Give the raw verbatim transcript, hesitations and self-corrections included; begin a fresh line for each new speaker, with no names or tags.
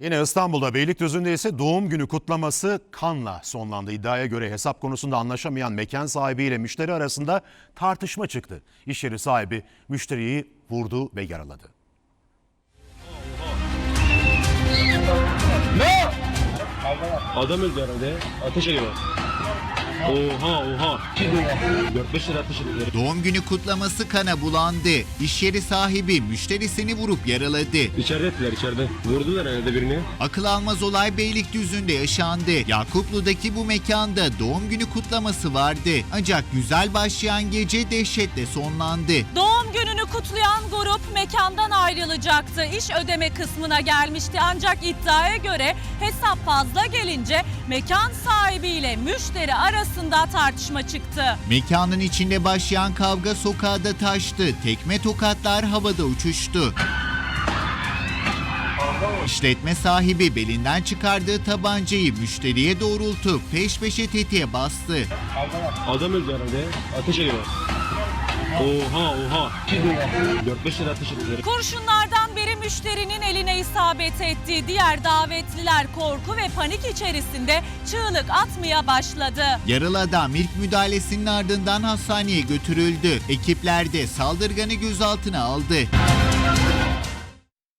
Yine İstanbul'da Beylikdüzü'nde ise doğum günü kutlaması kanla sonlandı. İddiaya göre hesap konusunda anlaşamayan mekan sahibiyle müşteri arasında tartışma çıktı. İş yeri sahibi müşteriyi vurdu ve yaraladı.
Ne? Adam öldü herhalde. Ateş ediyor. Oha oha. dört beş lira ateş ediyor.
Doğum günü kutlaması kana bulandı. İş yeri sahibi müşterisini vurup yaraladı.
İçeride ettiler içeride. Vurdular herhalde birini.
Akıl almaz olay Beylikdüzü'nde yaşandı. Yakuplu'daki bu mekanda doğum günü kutlaması vardı. Ancak güzel başlayan gece dehşetle sonlandı.
Doğum gününü kutlayan grup mekandan ayrılacaktı. İş ödeme kısmına gelmişti ancak iddiaya göre hesap fazla gelince mekan sahibiyle müşteri arasında tartışma çıktı.
Mekanın içinde başlayan kavga sokağa da taştı. Tekme tokatlar havada uçuştu. İşletme sahibi belinden çıkardığı tabancayı müşteriye doğrultup peş peşe tetiğe bastı.
Adam öldü herhalde. Ateş ediyor. Oha oha. dört beş lira ateş ediyor.
Kurşunlardan biri müşterinin eline isabet etti. Diğer davetliler korku ve panik içerisinde çığlık atmaya başladı.
Yaralı adam ilk müdahalesinin ardından hastaneye götürüldü. Ekipler de saldırganı gözaltına aldı.